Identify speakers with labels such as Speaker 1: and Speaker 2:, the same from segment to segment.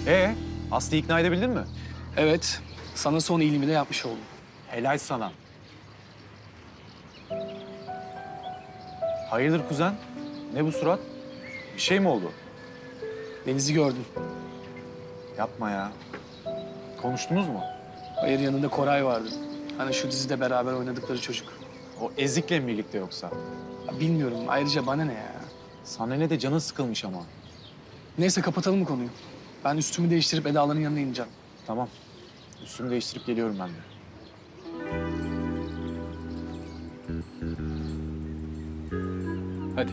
Speaker 1: Aslı'yı ikna edebildin mi?
Speaker 2: Evet, sana son iyiliğimi de yapmış oldum.
Speaker 1: Helal sana. Hayırdır kuzen? Ne bu surat? Bir şey mi oldu?
Speaker 2: Deniz'i gördüm.
Speaker 1: Yapma ya. Konuştunuz mu?
Speaker 2: Hayır, yanında Koray vardı. Hani şu dizide beraber oynadıkları çocuk.
Speaker 1: O ezikle mi birlikte yoksa?
Speaker 2: Ya bilmiyorum, ayrıca bana ne ya?
Speaker 1: Sana ne de canın sıkılmış ama.
Speaker 2: Neyse kapatalım bu konuyu. Ben üstümü değiştirip Eda'ların yanına ineceğim.
Speaker 1: Tamam. Üstümü değiştirip geliyorum ben de.
Speaker 2: Hadi.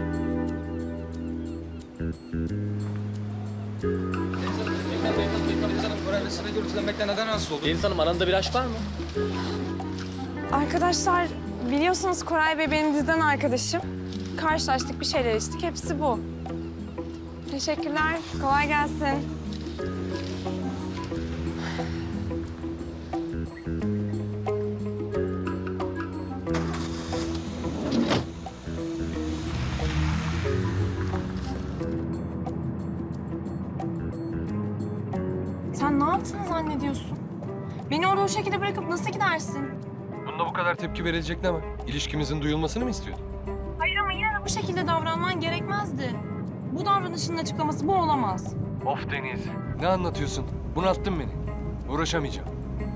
Speaker 3: Deniz Hanım aranızda bir aşk var mı?
Speaker 4: Arkadaşlar biliyorsunuz Koray Bey benim diziden arkadaşım. Karşılaştık, bir şeyler içtik. Hepsi bu. Teşekkürler. Kolay gelsin. Sen ne yaptığını zannediyorsun? Beni orada o şekilde bırakıp nasıl gidersin?
Speaker 5: Bunda bu kadar tepki verilecek ne var? İlişkimizin duyulmasını mı istiyordun?
Speaker 4: Hayır ama yine de bu şekilde davranman gerekmezdi. Bu davranışının açıklaması bu olamaz.
Speaker 5: Of Deniz. Ne anlatıyorsun? Bunalttın beni. Uğraşamayacağım.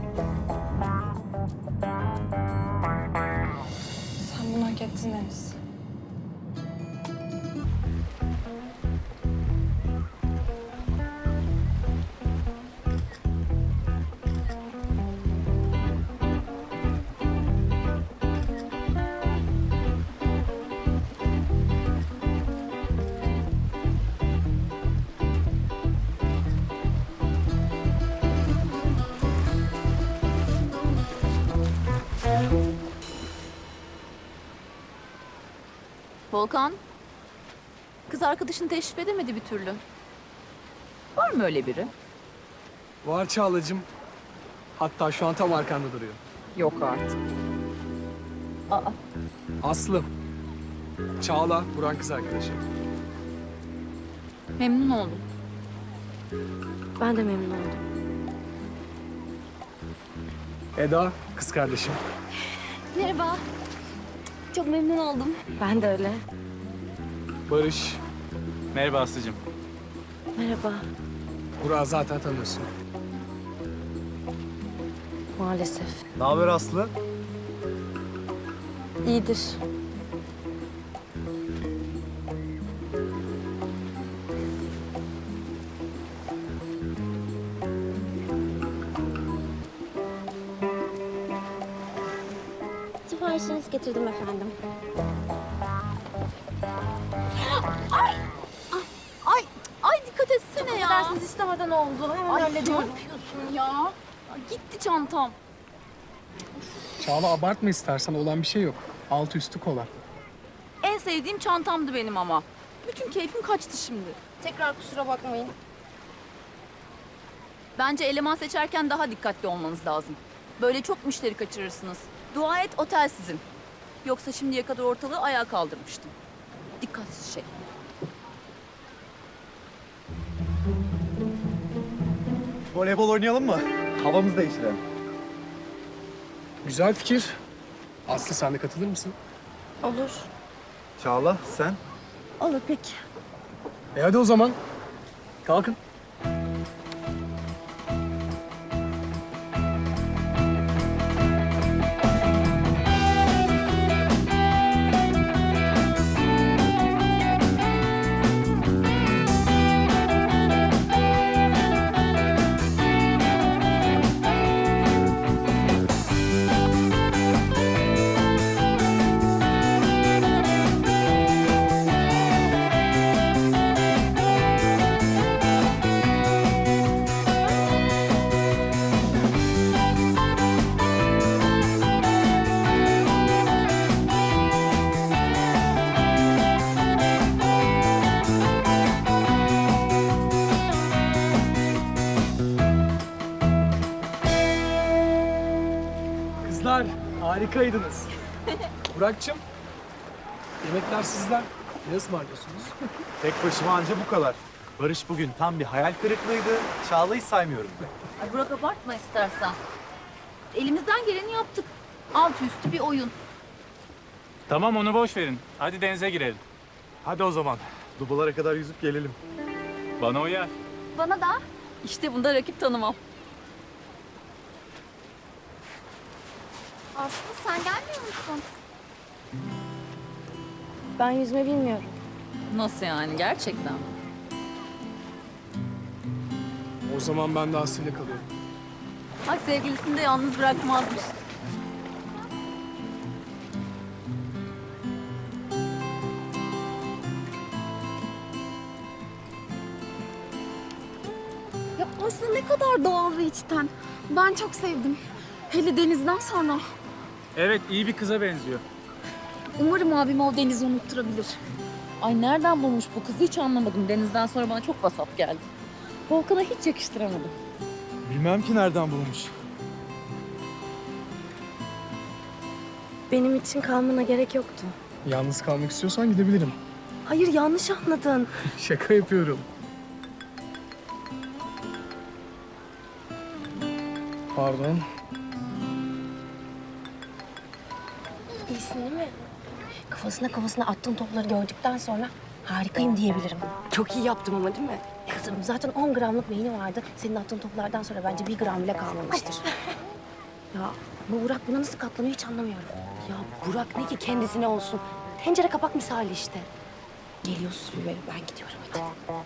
Speaker 4: Sen bunu hak ettin Deniz.
Speaker 6: Volkan, kız arkadaşını teşrif edemedi bir türlü. Var mı öyle biri?
Speaker 2: Var Çağla'cığım. Hatta şu an tam arkanda duruyor.
Speaker 6: Yok artık.
Speaker 2: Aslı. Çağla, Burak'ın kız arkadaşı.
Speaker 6: Memnun oldum.
Speaker 4: Ben de memnun oldum.
Speaker 2: Eda, kız kardeşim.
Speaker 4: Merhaba. Çok memnun oldum. Ben de öyle.
Speaker 2: Barış,
Speaker 1: Merhaba Aslı'cığım.
Speaker 4: Merhaba.
Speaker 2: Burak'ı zaten tanıyorsun.
Speaker 4: Maalesef.
Speaker 1: Ne haber Aslı?
Speaker 4: İyidir.
Speaker 7: Siparişinizi getirdim efendim.
Speaker 6: Ay dikkat etsene ya.
Speaker 7: Dersiniz istemeden oldu. Hemen
Speaker 6: Ay ne
Speaker 7: hallediyorum.
Speaker 6: yapıyorsun ya? Ya gitti çantam.
Speaker 2: Çağla abartma istersen, olan bir şey yok. Altı üstü kola.
Speaker 6: En sevdiğim çantamdı benim ama. Bütün keyfim kaçtı şimdi.
Speaker 7: Tekrar kusura bakmayın.
Speaker 6: Bence eleman seçerken daha dikkatli olmanız lazım. Böyle çok müşteri kaçırırsınız. Dua et otel sizin. Yoksa şimdiye kadar ortalığı ayağa kaldırmıştım. Dikkatsiz şey.
Speaker 1: Voleybol oynayalım mı? Havamızı değiştirelim.
Speaker 2: Güzel fikir. Aslı sen de katılır mısın?
Speaker 7: Olur.
Speaker 1: Çağla sen?
Speaker 7: Olur peki.
Speaker 2: Hadi o zaman. Kalkın. Kızlar, harikaydınız. Burak'cığım, yemekler sizden. Ne ısmarlıyorsunuz?
Speaker 1: Tek başıma anca bu kadar. Barış bugün tam bir hayal kırıklığıydı. Çağla'yı saymıyorum.
Speaker 6: Ay Burak abartma istersen. Elimizden geleni yaptık. Altı üstü bir oyun.
Speaker 3: Tamam onu boş verin. Hadi denize girelim.
Speaker 1: Hadi o zaman. Dubalara kadar yüzüp gelelim.
Speaker 3: Bana uyar.
Speaker 6: Bana da. İşte bunda rakip tanımam.
Speaker 7: Aslı sen gelmiyor musun? Ben yüzme bilmiyorum.
Speaker 6: Nasıl yani gerçekten?
Speaker 2: O zaman ben de Aslı'yla kalıyorum.
Speaker 6: Bak sevgilisini de yalnız bırakmazmış.
Speaker 7: Ya Aslı ne kadar doğal ve içten. Ben çok sevdim. Hele Deniz'den sonra.
Speaker 3: Evet iyi bir kıza benziyor.
Speaker 7: Umarım abim o Deniz'i unutturabilir.
Speaker 6: Ay nereden bulmuş bu kızı hiç anlamadım. Deniz'den sonra bana çok vasat geldi. Volkan'a hiç yakıştıramadım.
Speaker 1: Bilmem ki nereden bulmuş.
Speaker 7: Benim için kalmana gerek yoktu.
Speaker 2: Yalnız kalmak istiyorsan gidebilirim.
Speaker 7: Hayır yanlış anladın.
Speaker 2: Şaka yapıyorum. Pardon.
Speaker 7: İyisin değil mi? Kafasına attığın topları gördükten sonra harikayım diyebilirim. Çok iyi yaptım ama değil mi? Kızım zaten 10 gramlık beyni vardı. Senin attığın toplardan sonra bence 1 gram bile kalmamıştır. Ya bu Burak buna nasıl katlanıyor hiç anlamıyorum. Ya Burak ne ki kendisine olsun. Tencere kapak misali işte. Geliyorsun böyle ben gidiyorum hadi.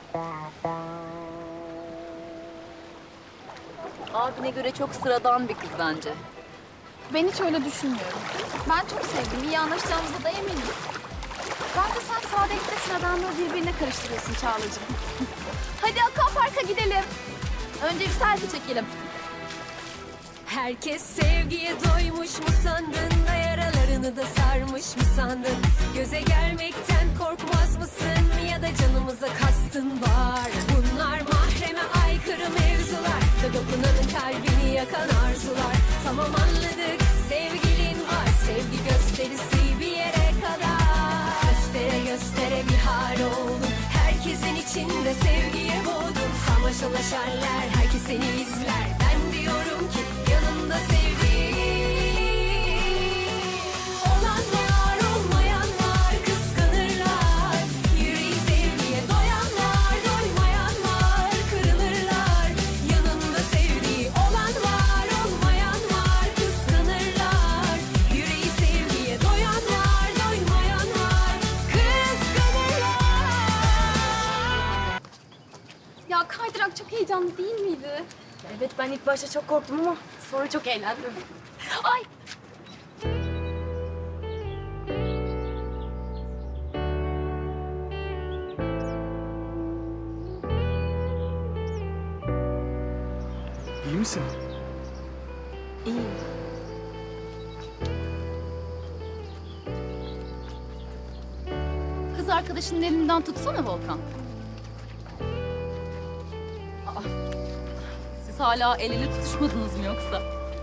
Speaker 6: Abine göre çok sıradan bir kız bence.
Speaker 8: Ben hiç öyle düşünmüyorum. Ben çok sevdim. İyi anlaşacağımıza da eminim. Bence sen sadelikle sıradanlığı birbirine karıştırıyorsun Çağla'cığım. Hadi Aquapark'a gidelim.
Speaker 6: Önce bir selfie çekelim.
Speaker 9: Herkes sevgiye doymuş mu sandın da yaralarını da sarmış mı sandın? Göze gelmekten korkmaz mısın ya da canımıza kastın var? Bunlar mahreme aykırı mevzular da dokunanın kalbini yakan arzular. Tamam anladık sevgilin var, sevgi gösterisi bir yere kadar. Göstere göstere bir hal oldun, herkesin içinde sevgiye boğdun. Samaşalaşarlar, herkes seni izler, ben diyorum ki yanında sevdiğin olan var, olmayan var, kıskanırlar. Yüreği sevgiye doyanlar, doymayan var, kırılırlar. Yanında sevdiği olan var, olmayan var, kıskanırlar. Yüreği sevgiye doyanlar, doymayan var, kıskanırlar.
Speaker 8: Ya kaydırak çok heyecanlı değil miydi?
Speaker 7: Evet ben ilk başta çok korktum ama sonra çok eğlendim.
Speaker 8: Ay
Speaker 2: İyi misin?
Speaker 7: İyiyim.
Speaker 6: Kız arkadaşının elinden tutsana Volkan. Aa, siz hala el ele tutuşmadınız mı yoksa?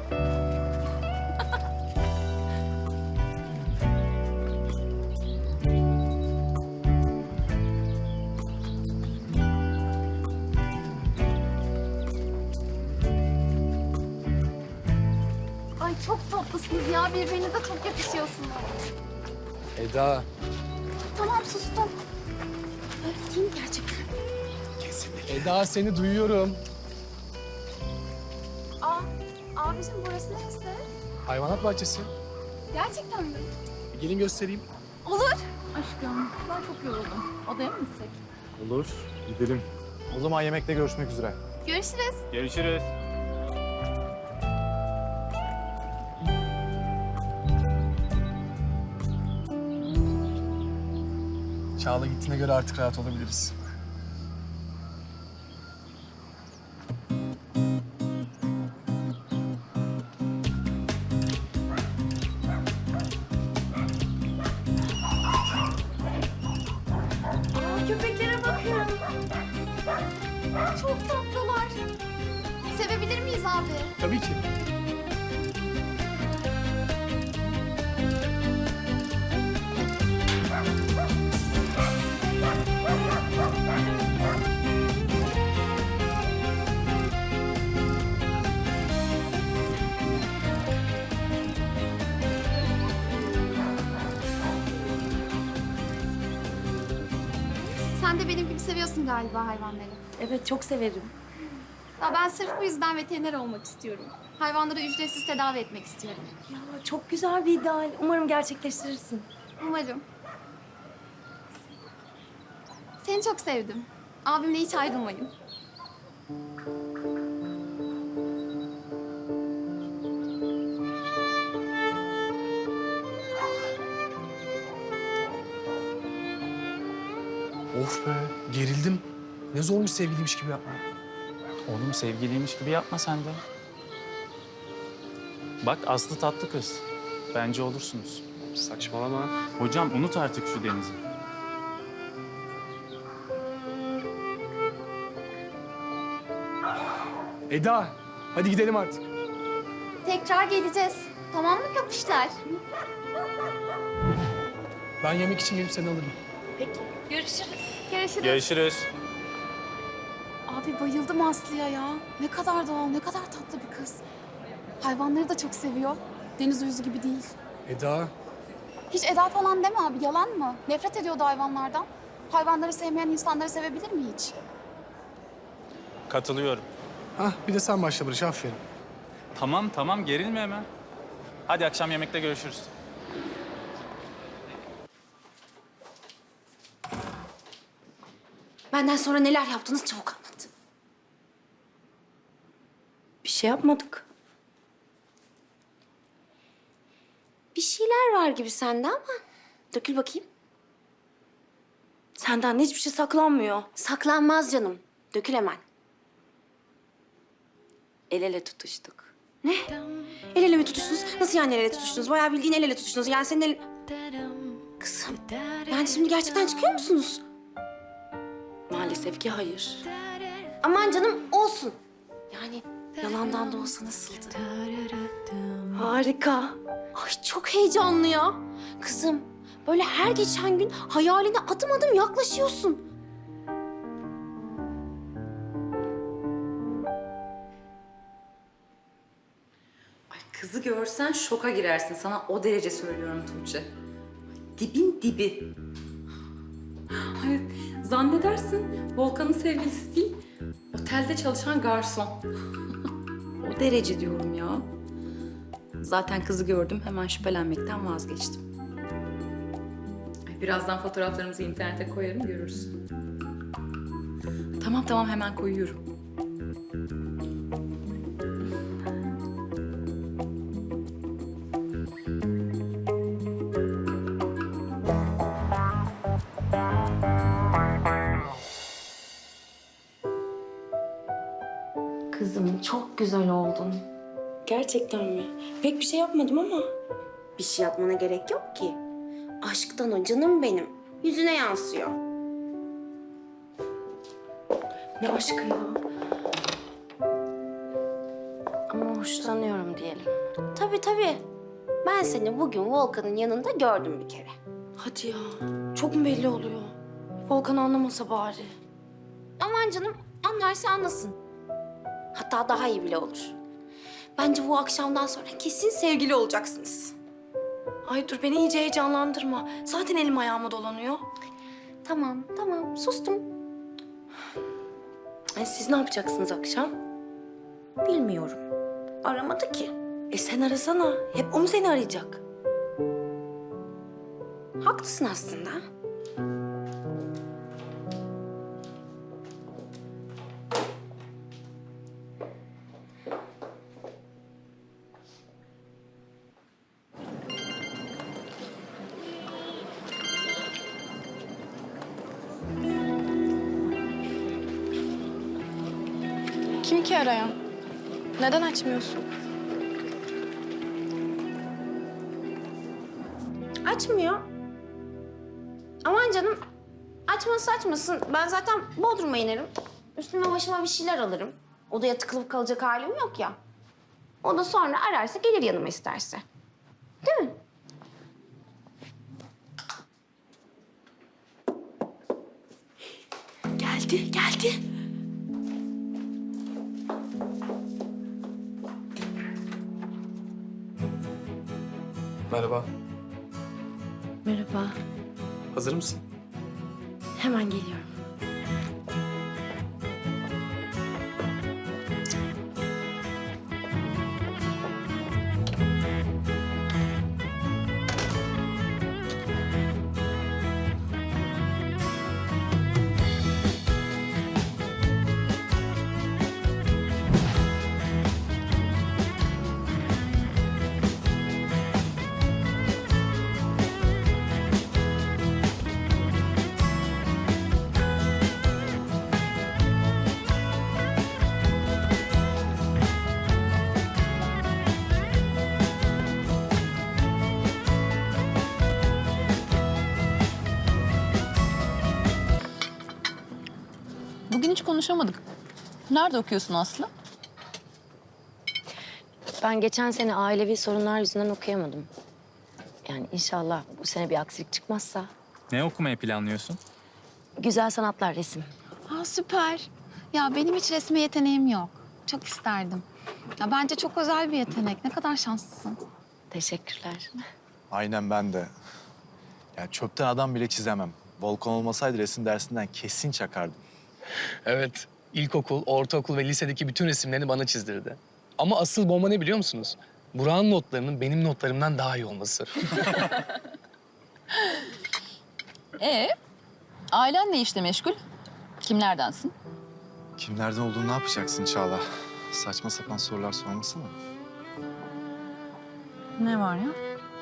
Speaker 8: ay çok tatlısınız ya. Birbirinize çok yakışıyorsunuz.
Speaker 2: Eda.
Speaker 8: Tamam sustum.
Speaker 7: Öyle değil mi gerçekten?
Speaker 2: Eda seni duyuyorum.
Speaker 8: Aa, abicim burası neresi?
Speaker 2: Hayvanat bahçesi.
Speaker 8: Gerçekten mi?
Speaker 2: Gelin göstereyim.
Speaker 8: Olur.
Speaker 6: Aşkım ben çok yoruldum. Odaya mı gitsek?
Speaker 1: Olur, gidelim. O zaman yemekte görüşmek üzere.
Speaker 8: Görüşürüz.
Speaker 3: Görüşürüz.
Speaker 2: Çağla gittiğine göre artık rahat olabiliriz.
Speaker 8: Aa, köpeklere bakın. Çok tatlılar. Sevebilir miyiz abi?
Speaker 2: Tabii ki.
Speaker 8: Sen de benim gibi seviyorsun galiba hayvanları.
Speaker 7: Evet, çok severim.
Speaker 8: Ya ben sırf bu yüzden veteriner olmak istiyorum. Hayvanları ücretsiz tedavi etmek istiyorum.
Speaker 7: Ya çok güzel bir ideal. Umarım gerçekleştirirsin.
Speaker 8: Umarım. Seni çok sevdim. Abimle hiç ayrılmayın.
Speaker 2: Of be, gerildim. Ne zormuş sevgiliymiş gibi yapma.
Speaker 3: Oğlum sevgiliymiş gibi yapma sen de. Bak Aslı tatlı kız. Bence olursunuz.
Speaker 2: Saçmalama.
Speaker 3: Hocam unut artık şu Deniz'i.
Speaker 2: Eda, hadi gidelim artık.
Speaker 8: Tekrar geleceğiz. Tamam mı kapışlar?
Speaker 2: Ben yemek için gelip seni alırım.
Speaker 8: Görüşürüz.
Speaker 3: Görüşürüz.
Speaker 8: Abi bayıldım Aslı'ya ya. Ne kadar doğal, ne kadar tatlı bir kız. Hayvanları da çok seviyor. Deniz uyuzu gibi değil.
Speaker 2: Eda,
Speaker 8: Hiç Eda falan deme abi, yalan mı? Nefret ediyordu hayvanlardan. Hayvanları sevmeyen insanları sevebilir mi hiç?
Speaker 3: Katılıyorum.
Speaker 2: bir de sen başla Barış, aferin.
Speaker 3: Tamam gerilme hemen. Hadi akşam yemekte görüşürüz.
Speaker 7: Benden sonra neler yaptınız çabuk anlat. Bir şey yapmadık. Bir şeyler var gibi sende ama dökül bakayım. Senden hiçbir şey saklanmıyor. Saklanmaz canım. Dökül hemen. El ele tutuştuk. Ne? El ele mi tutuştunuz? Nasıl yani el ele tutuştunuz? Bayağı bildiğin el ele tutuştunuz. Yani senin el... Kızım, yani şimdi gerçekten çıkıyor musunuz? Maalesef ki hayır. Aman canım olsun. Yani yalandan da olsa nasıldı? Harika. Ay çok heyecanlı ya. Kızım böyle her geçen gün hayaline adım adım yaklaşıyorsun.
Speaker 10: Ay kızı görsen şoka girersin. Sana o derece söylüyorum Tuğçe. Dibin dibi. Hayır, zannedersin Volkan'ın sevgilisi değil, otelde çalışan garson. O derece diyorum ya. Zaten kızı gördüm, hemen şüphelenmekten vazgeçtim. Ay, birazdan fotoğraflarımızı internete koyarım, görürsün. Tamam, hemen koyuyorum.
Speaker 7: Kızım çok güzel oldun. Gerçekten mi? Pek bir şey yapmadım ama. Bir şey yapmana gerek yok ki. Aşktan o canım benim. Yüzüne yansıyor. Ne aşkı ya? Ama hoşlanıyorum diyelim. Tabii. Ben seni bugün Volkan'ın yanında gördüm bir kere. Hadi ya. Çok mu belli oluyor? Volkan anlamasa bari. Aman canım anlarsa anlasın. Hatta daha iyi bile olur. Bence bu akşamdan sonra kesin sevgili olacaksınız. Ay dur beni iyice heyecanlandırma. Zaten elim ayağıma dolanıyor. Tamam sustum. Siz ne yapacaksınız akşam? Bilmiyorum. Aramadı ki. Sen arasana. Hep o mu seni arayacak? Haklısın aslında.
Speaker 4: Kim ki arayan? Neden açmıyorsun?
Speaker 7: Açmıyor. Aman canım. Açmasın. Ben zaten Bodrum'a inerim. Üstüme başıma bir şeyler alırım. Odaya tıkılıp kalacak halim yok ya. O da sonra ararsa gelir yanıma isterse. Değil mi? Geldi.
Speaker 2: Merhaba,
Speaker 7: Merhaba.
Speaker 2: hazır mısın?
Speaker 7: Hemen geliyorum.
Speaker 6: konuşamadık. Nerede okuyorsun Aslı?
Speaker 7: Ben geçen sene ailevi sorunlar yüzünden okuyamadım. Yani inşallah bu sene bir aksilik çıkmazsa.
Speaker 3: Ne okumayı planlıyorsun?
Speaker 7: Güzel sanatlar, resim.
Speaker 8: Aa, süper. Ya benim hiç resme yeteneğim yok. Çok isterdim. Ya bence çok özel bir yetenek. Ne kadar şanslısın.
Speaker 7: Teşekkürler.
Speaker 1: Aynen ben de. Ya çöpten adam bile çizemem. Volkan olmasaydı resim dersinden kesin çakardım.
Speaker 2: Evet, ilkokul, ortaokul ve lisedeki bütün resimlerini bana çizdirdi. Ama asıl bomba ne biliyor musunuz? Burak'ın notlarının benim notlarımdan daha iyi olması.
Speaker 6: Ailen ne işle meşgul? Kimlerdensin?
Speaker 1: Kimlerden olduğunu ne yapacaksın Çağla? Saçma sapan sorular sormasana.
Speaker 6: Ne var ya?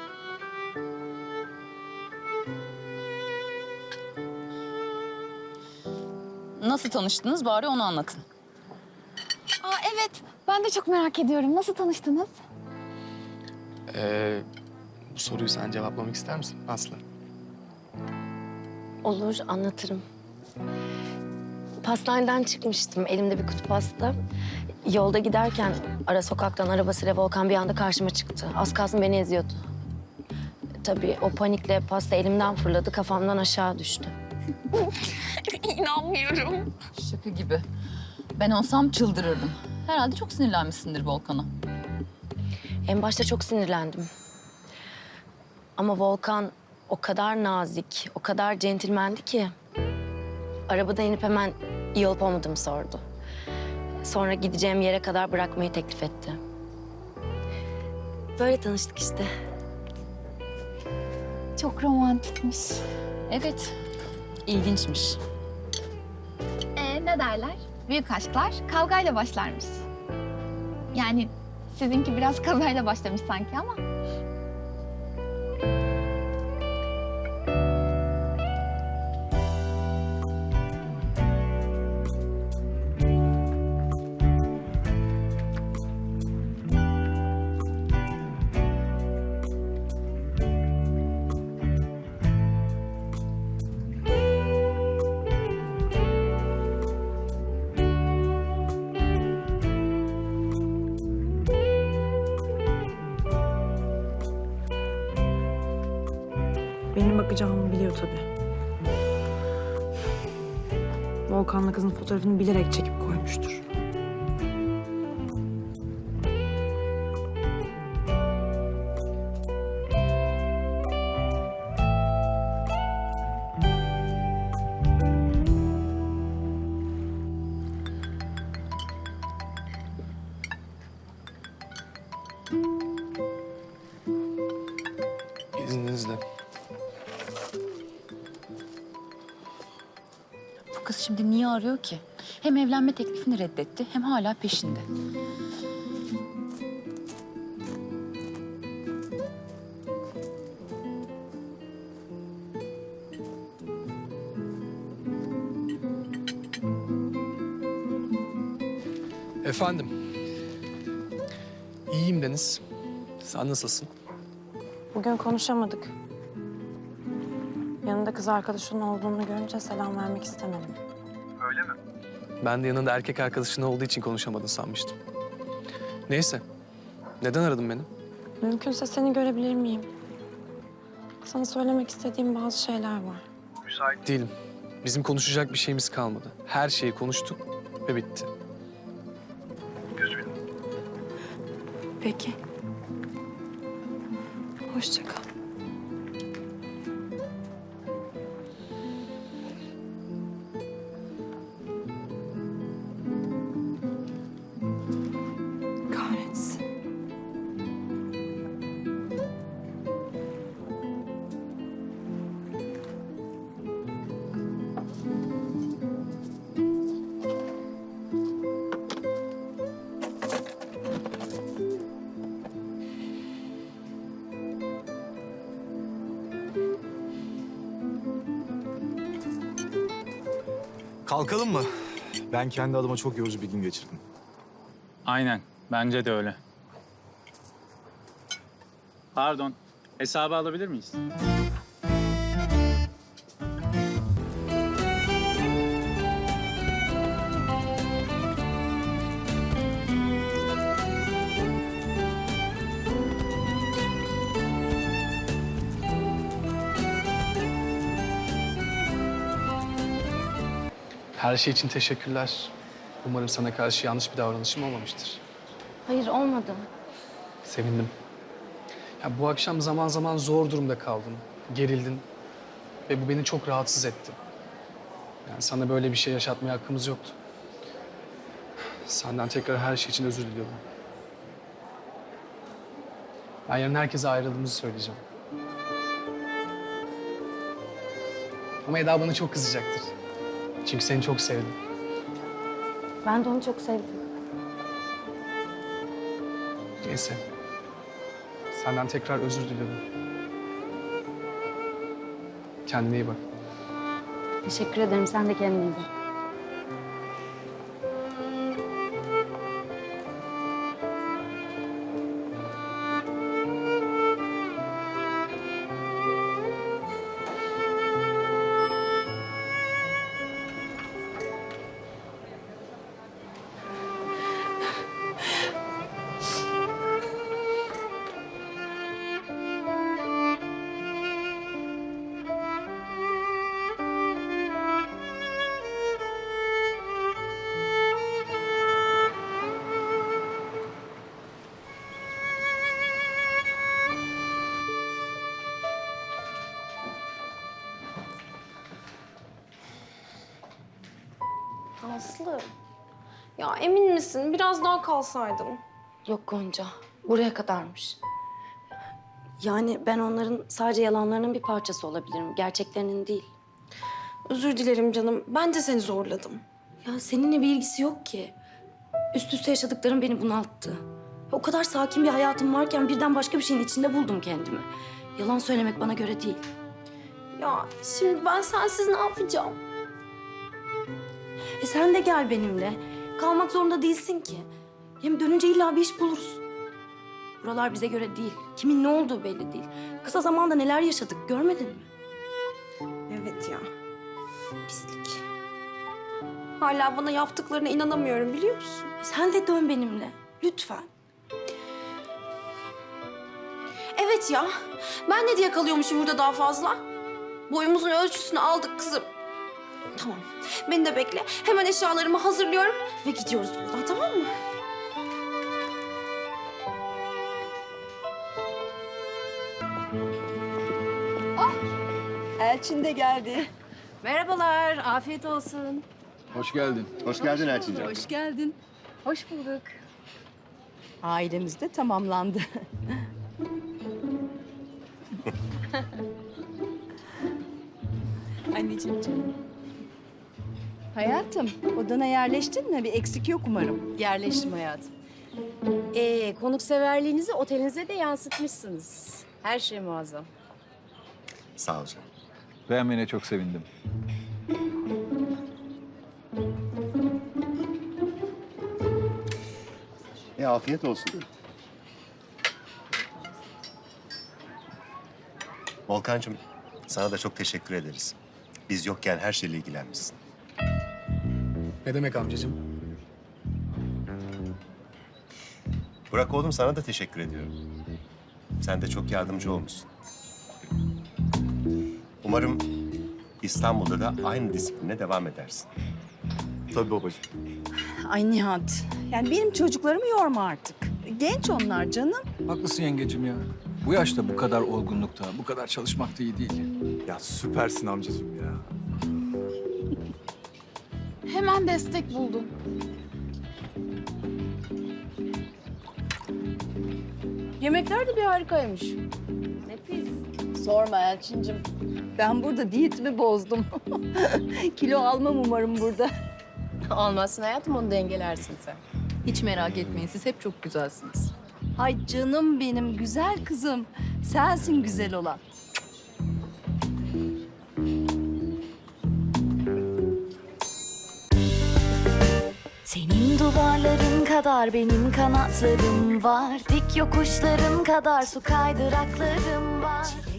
Speaker 6: Nasıl tanıştınız bari onu anlatın.
Speaker 8: Aa evet. Ben de çok merak ediyorum. Nasıl tanıştınız?
Speaker 2: Bu soruyu sen cevaplamak ister misin Aslı?
Speaker 7: Olur, anlatırım. Pastaneden çıkmıştım, elimde bir kutu pasta. Yolda giderken ara sokaktan arabasıyla Volkan bir anda karşıma çıktı. Az kalsın beni eziyordu. Tabii o panikle pasta elimden fırladı, kafamdan aşağı düştü. İnanmıyorum.
Speaker 6: Şaka gibi. Ben olsam çıldırırdım. Herhalde çok sinirlenmişsindir Volkan'a.
Speaker 7: En başta çok sinirlendim. Ama Volkan o kadar nazik, o kadar centilmendi ki... arabadan inip hemen iyi olup olmadığımı sordu. Sonra gideceğim yere kadar bırakmayı teklif etti. Böyle tanıştık işte.
Speaker 8: Çok romantikmiş.
Speaker 6: Evet, ilginçmiş.
Speaker 8: Ne derler? Büyük aşklar kavgayla başlarmış. Yani sizinki biraz kazayla başlamış sanki ama.
Speaker 11: Benim bakacağımı biliyor tabii. Volkan'la kızın fotoğrafını bilerek çekip koymuştur.
Speaker 2: İzninizle.
Speaker 6: Bu kız şimdi niye arıyor ki? Hem evlenme teklifini reddetti hem hala peşinde.
Speaker 2: Efendim. İyiyim Deniz. Sen nasılsın?
Speaker 11: Bugün konuşamadık. Yanında kız arkadaşının olduğunu görünce selam vermek istemedim.
Speaker 2: Ben de yanında erkek arkadaşın olduğu için konuşamadın sanmıştım. Neyse. Neden aradın beni?
Speaker 11: Mümkünse seni görebilir miyim? Sana söylemek istediğim bazı şeyler var.
Speaker 2: Değilim. Bizim konuşacak bir şeyimiz kalmadı. Her şeyi konuştuk ve bitti.
Speaker 11: Peki. Hoşça kal. Kahretsin.
Speaker 1: Kalkalım mı? Ben kendi adıma çok yorucu bir gün geçirdim.
Speaker 3: Aynen, bence de öyle. Pardon, hesabı alabilir miyiz?
Speaker 2: Her şey için teşekkürler. Umarım sana karşı yanlış bir davranışım olmamıştır.
Speaker 7: Hayır olmadı.
Speaker 2: Sevindim. Ya bu akşam zaman zaman zor durumda kaldın, gerildin ve bu beni çok rahatsız etti. Yani sana böyle bir şey yaşatmaya hakkımız yoktu. Senden tekrar her şey için özür diliyorum. Ben yarın herkese ayrıldığımızı söyleyeceğim. Ama Eda bana çok kızacaktır. Çünkü seni çok sevdim.
Speaker 7: Ben de onu çok sevdim.
Speaker 2: Neyse. Senden tekrar özür diliyorum. Kendine iyi bak.
Speaker 7: Teşekkür ederim. Sen de kendine iyi bak.
Speaker 11: Aslı, ya emin misin? Biraz daha kalsaydın.
Speaker 7: Yok Gonca. Buraya kadarmış. Yani ben onların sadece yalanlarının bir parçası olabilirim. Gerçeklerinin değil.
Speaker 11: Özür dilerim canım. Ben de seni zorladım.
Speaker 7: Ya seninle bir ilgisi yok ki. Üst üste yaşadıklarım beni bunalttı. O kadar sakin bir hayatım varken birden başka bir şeyin içinde buldum kendimi. Yalan söylemek bana göre değil.
Speaker 11: Ya şimdi ben sensiz ne yapacağım?
Speaker 7: Sen de gel benimle. Kalmak zorunda değilsin ki. Hem dönünce illa bir iş buluruz. Buralar bize göre değil. Kimin ne olduğu belli değil. Kısa zamanda neler yaşadık görmedin mi?
Speaker 11: Evet ya. Pislik. Hala bana yaptıklarına inanamıyorum biliyor musun?
Speaker 7: Sen de dön benimle. Lütfen.
Speaker 11: Evet ya. Ben de diye kalıyormuşum burada daha fazla. Boyumuzun ölçüsünü aldık kızım. Tamam. Beni de bekle. Hemen eşyalarımı hazırlıyorum ve gidiyoruz buradan, tamam mı?
Speaker 12: Elçin de geldi. Merhabalar, afiyet olsun.
Speaker 5: Hoş geldin.
Speaker 13: Hoş geldin Elçin'ciğim.
Speaker 12: Hoş geldin. Hoş bulduk. Ailemiz de tamamlandı. Anneciğim canım. Hayatım, odana yerleştin mi? Bir eksik yok umarım.
Speaker 14: Yerleştim hayatım. Konukseverliğinizi otelinize de yansıtmışsınız. Her şey muazzam.
Speaker 13: Sağ ol canım.
Speaker 15: Beğenmene çok sevindim.
Speaker 13: Afiyet olsun. Volkancığım, sana da çok teşekkür ederiz. Biz yokken her şeyle ilgilenmişsin.
Speaker 2: Ne demek amcacığım?
Speaker 13: Burak oğlum, sana da teşekkür ediyorum. Sen de çok yardımcı olmuşsun. Umarım İstanbul'da da aynı disipline devam edersin.
Speaker 15: Tabii babacığım.
Speaker 12: Ay Nihat, yani benim çocuklarımı yorma artık. Genç onlar canım.
Speaker 15: Haklısın yengecim ya. Bu yaşta bu kadar olgunlukta, bu kadar çalışmak da iyi değil.
Speaker 1: Ya süpersin amcacığım ya.
Speaker 8: Hemen destek buldum.
Speaker 14: Yemekler de bir harikaymış. Nefis. Sorma Elçincim.
Speaker 12: Ben burada diyetimi bozdum. Kilo almam umarım burada.
Speaker 14: Almazsın hayatım, onu dengelersin sen.
Speaker 6: Hiç merak etmeyin, siz hep çok güzelsiniz.
Speaker 12: Ay canım benim, güzel kızım. Sensin güzel olan.
Speaker 16: Senin duvarların kadar benim kanatlarım var. Dik yokuşların kadar su kaydıraklarım var.